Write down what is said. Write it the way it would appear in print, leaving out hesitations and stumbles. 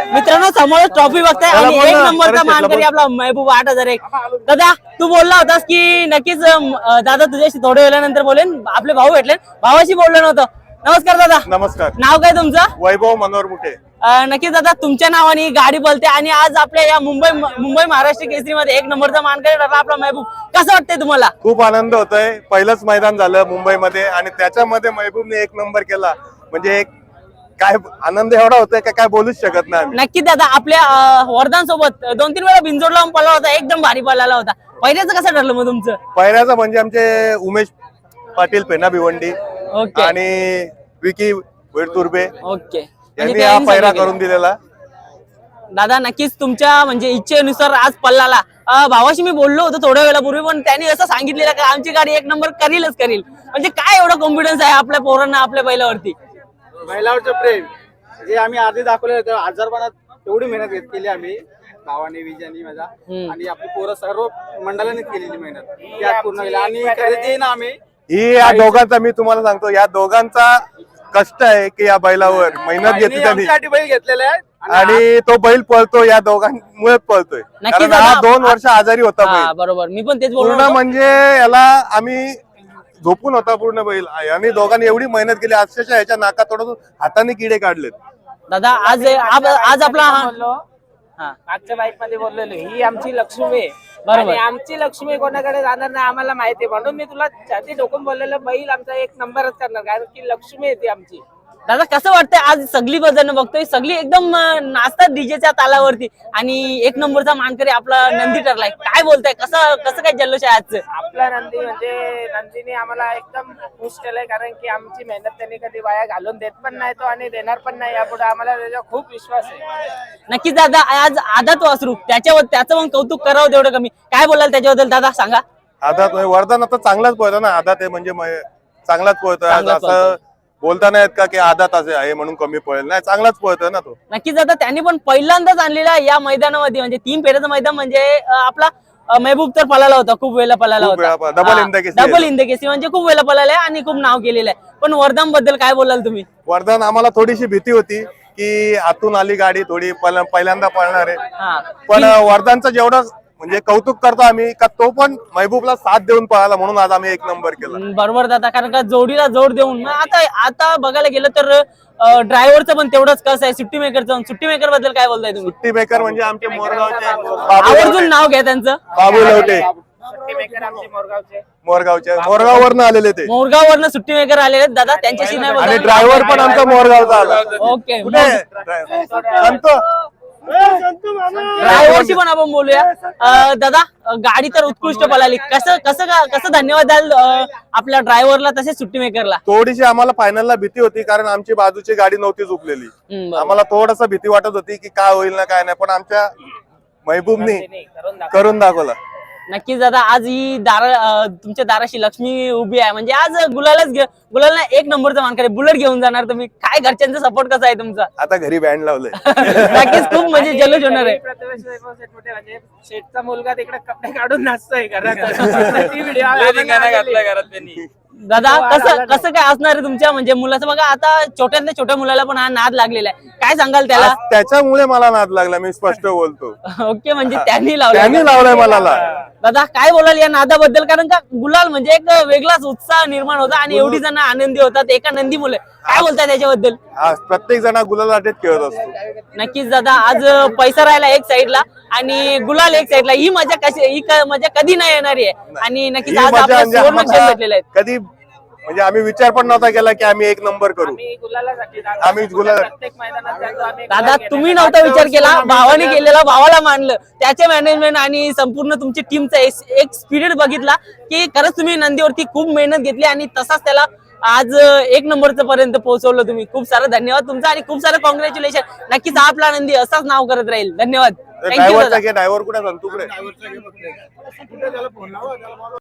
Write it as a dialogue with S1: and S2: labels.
S1: मित्रांनो समोर ट्रॉफी बघताय आणि एक नंबरचा मानकरी आपला महबूब 8001. दादा तू बोलला होतास की नक्कीच दादा तुझ्याशी थोड्या वेळानंतर बोलेन. आपले भाऊ भेटले, भावाशी बोललो नव्हतं. नमस्कार दादा.
S2: नमस्कार.
S1: नाव काय तुमचं?
S2: वैभव मनोहर मुठे.
S1: नक्कीच दादा तुमच्या नावाने गाडी बोलते आणि आज आपल्या या मुंबई महाराष्ट्र केसरीमध्ये एक नंबरचा मानकरी ठरला आपला महबूब. कसं वाटतंय तुम्हाला?
S2: खूप आनंद होतोय. पहिलंच मैदान झालं मुंबईमध्ये आणि त्याच्यामध्ये महबूबने एक नंबर केला म्हणजे काय आनंद एवढा होतोय काय बोलूच शकत नाही.
S1: नक्की दादा आपल्या वरदान सोबत 2-3 वेळा बिंजोड लावून पळला होता, एकदम भारी पळाला होता. पहिल्याचं कसं ठरलं मग तुमचं?
S2: पहिल्याचं म्हणजे आमचे उमेश पाटील पेना भिवंडी
S1: ओके
S2: आणि विकी वेडतुर्बे
S1: ओके
S2: यांनी हा पहिरा करून दिलेला.
S1: दादा नक्कीच तुमच्या म्हणजे इच्छेनुसार आज पल्लाला भावाशी मी बोललो होतो थोड्या वेळापूर्वी, पण त्यांनी असं सांगितलेलं की आमची गाडी एक नंबर करीलच करील. म्हणजे काय एवढा कॉन्फिडन्स आहे आपल्या पोरांना आपल्या बैलावरती?
S3: बैलावरचं प्रेम जे आम्ही आधी दाखवले होते आजारपणात एवढी मेहनत केली आम्ही भावाने विजयानी माझा आणि आपली पोरं सर्व मंडळाने केलेली मेहनत त्यात पूर्ण केली आणि खरेदी ना आम्ही
S2: ही या दोघांचा मी तुम्हाला सांगतो या दोघांचा कष्ट आहे की या बैलावर मेहनत घेतली त्यांनी
S3: बैल घेतलेले आहे
S2: आणि तो बैल पळतो या दोघांमुळे पळतोय. कारण हा 2 वर्ष आजारी होता बैल.
S1: बरोबर मी पण तेच
S2: पूर्ण
S1: बोललो.
S2: म्हणजे याला आम्ही झोपून होता पूर्ण बैल आणि दोघांनी एवढी मेहनत केली अक्षरशः याच्या नाका तोडून हाताने किडे काढलेत.
S1: दादा आज आपला
S4: मागच्या बाईक मध्ये बोललेलो ही आमची लक्ष्मी आहे.
S1: बरोबर.
S4: आणि आमची लक्ष्मी कोणाकडे जाणार नाही आम्हाला माहिती आहे, म्हणून मी तुला छाती ठोकून बोललेलं बैल आमचा एक नंबरच करणार कारण की लक्ष्मी आहे ती आमची.
S1: दादा कसं वाटतंय आज सगळी जण बघतोय सगळी एकदम नाचतात डीजेच्या तालावरती आणि एक नंबरचा मानकरी आपला नंदी ठरलाय. काय बोलताय कसं काय जल्लोष आहे आजचं?
S4: आपला नंदी म्हणजे नंदीने आम्हाला एकदम खुश केलंय कारण की आमची मेहनत त्यांनी कधी वाया घालून देत पण नाही तो आणि देणार पण नाही यापुढे आम्हाला त्याचा खूप विश्वास आहे.
S1: नक्कीच दादा आज आदात वासरू त्याचं मग कौतुक करावं तेवढं कमी. काय बोलाल त्याच्याबद्दल दादा सांगा?
S2: आदात वरदान आता चांगलाच पळतो ना. आदात आहे म्हणजे चांगलाच पळतोय. आज असं बोलता नाहीत का की आदात असे आहे म्हणून कमी पळेल नाही, चांगलाच पळतोय ना तो.
S1: नक्कीच दादा त्यांनी पण पहिल्यांदाच आणलेला या मैदानामध्ये म्हणजे 3 फेऱ्याचं मैदान म्हणजे आपला महबूब तर पळाला होता, खूप वेळेला पळाला होता. डबल हिंद केसरी म्हणजे खूप वेळेला पळाला आहे आणि खूप नाव केलेलं आहे. पण वरदान बद्दल काय बोलाल तुम्ही?
S2: वरदान आम्हाला थोडीशी भीती होती की आतून आली गाडी थोडी पहिल्यांदा पळणार आहे, पण वरदानचं जेवढं म्हणजे कौतुक करतो आम्ही का तो पण महबूबला साथ देऊन पळाला म्हणून आज आम्ही एक नंबर केला.
S1: बरोबर दादा कारण का जोडीला जोड देऊन आता बघायला गेलं तर ड्रायव्हरचं पण तेवढंच कसं आहे. सुट्टी मेकर बद्दल काय बोलताय तुम्ही?
S2: सुट्टी मेकर म्हणजे आमचे मोरगावचे
S1: आवर्जून नाव घ्या त्यांचं.
S2: बाबू लवटे
S4: आमचे
S2: मोरगाववरनं आलेले ते.
S1: मोरगाववरनं सुट्टी मेकर आलेले दादा त्यांच्याशी नाही
S2: आणि
S1: बोलत.
S2: ड्रायव्हर पण आमचा मोरगावचा आला.
S1: ओके
S2: संतो
S1: ड्रायव्हरशी पण आपण बोलूया. दादा गाडी तर उत्कृष्ट पळाली. कसं धन्यवाद द्याल आपल्या ड्रायव्हरला तसेच सुट्टी मेकरला?
S2: थोडीशी आम्हाला फायनलला भीती होती कारण आमची बाजूची गाडी नव्हती झुकलेली. आम्हाला थोडस भीती वाटत होती की काय होईल ना काय नाही, पण आमच्या महबूबनी करून दाखवला.
S1: नक्कीच दादा आज ही तुमच्या दाराशी लक्ष्मी उभी आहे म्हणजे आज गुलालला एक नंबरचा मानकरी बुलेट घेऊन जाणार तुम्ही. काय घरच्यांचा सपोर्ट कसा आहे तुमचा?
S2: आता घरी बँड लावलंय.
S1: नक्कीच खूप म्हणजे जल्लोष होणार आहे.
S4: म्हणजे शेठचा मुलगा तिकडे कपडे काढून नाचतोय
S1: दादा कसं काय असणार आहे तुमच्या म्हणजे मुलाचं? बघा आता छोट्यातल्या छोट्या मुलाला पण हा नाद लागलेला आहे, काय सांगाल त्याला?
S2: त्याच्यामुळे मला नाद लागला, मी स्पष्ट बोलतो.
S1: ओके म्हणजे त्यांनी लावलाय
S2: मला.
S1: दादा काय बोलाल या नादाबद्दल? कारण का गुलाल म्हणजे एक वेगळाच उत्साह निर्माण होता आणि एवढी जण आनंदी होतात एका नंदी मुले. काय बोलताय त्याच्याबद्दल?
S2: प्रत्येक जण गुलाल अटेट खेळत असतो.
S1: नक्कीच दादा आज पैसा राहिला एक साईडला आणि गुलाल एक साईडला. ही मजा कधी नाही येणारी आहे आणि नक्कीच आज आपल्याला सुवर्ण क्षण भेटलेले आहेत.
S2: कधी म्हणजे आम्ही विचार पण नव्हता केला की आम्ही एक नंबर करू. आम्ही
S1: दादा तुम्ही नव्हता विचार केला, भावाने केलेला, भावाला मानलं. त्याचे मॅनेजमेंट आणि संपूर्ण तुमची टीमचा एक स्पिरिट बघितला की खरंच तुम्ही नंदीवरती खूप मेहनत घेतली आणि तसाच त्याला आज एक नंबरचं पर्यंत पोहोचवलं तुम्ही. खूप सारं धन्यवाद तुमचा आणि खूप सारं कॉंग्रॅच्युलेशन. नक्कीच आपला नंदी असाच नाव करत राहील. धन्यवाद.
S2: ड्रायव्हर कुठे